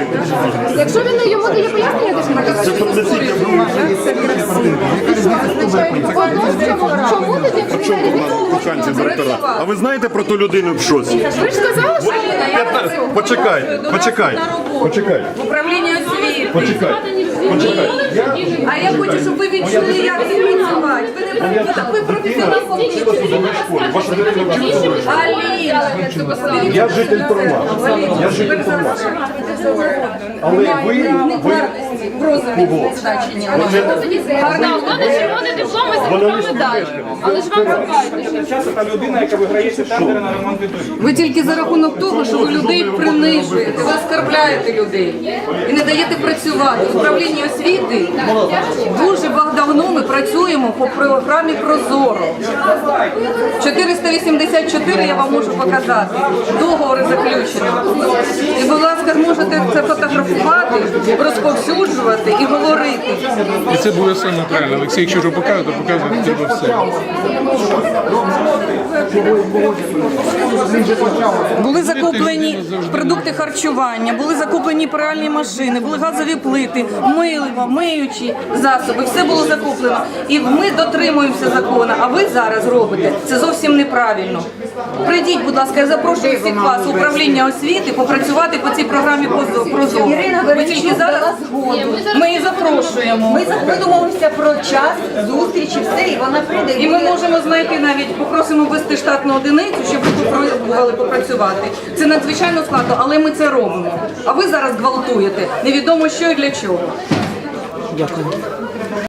Якщо він йому дає пояснення, то ж чому тоді, якщо він Коханці директора. А ви знаєте про ту людину в шоці? ви ж сказали, що Почекай. В управлінні освіти. Почекай. А я хочу, щоб ви відчули, як це працювати. Ви професіонал. Ваша дитина вчилася? Аліна, Я житель Торма. Але ви розові значення. червоний диплом і золота медаль. Але ж вам пробачте. Часто та людина, яка виграє ці тендери на ремонт доріг. Ви тільки за рахунок того, що ви людей принижуєте, ви оскарбляєте людей і не даєте працювати. В управлінні освіти дуже давно ми працюємо по програмі «Прозоро». 484 я вам можу показати. Договори заключені. І, будь ласка, можете це фотографувати, розповсюджувати і говорити. І це буде саме правильно. Олексій, якщо вже показує, то показує треба все. Були закуплені продукти харчування, були закуплені пральні машини, були газові плити, мило, миючі засоби, все було закуплено. І ми дотримуємося закону, а ви зараз робите. Це зовсім неправильно. Прийдіть, будь ласка, я запрошую всіх вас в управління освіти попрацювати по цій програмі «Прозоро». Ви тільки зараз ми її запрошуємо. Ми домовимося про час зустрічі, все, і вона прийде. І ми можемо знайти навіть, попросимо ввести штатну одиницю, щоб ви попробували попрацювати. Це надзвичайно складно, але ми це робимо. А ви зараз гвалтуєте. Невідомо що і для чого. Дякую.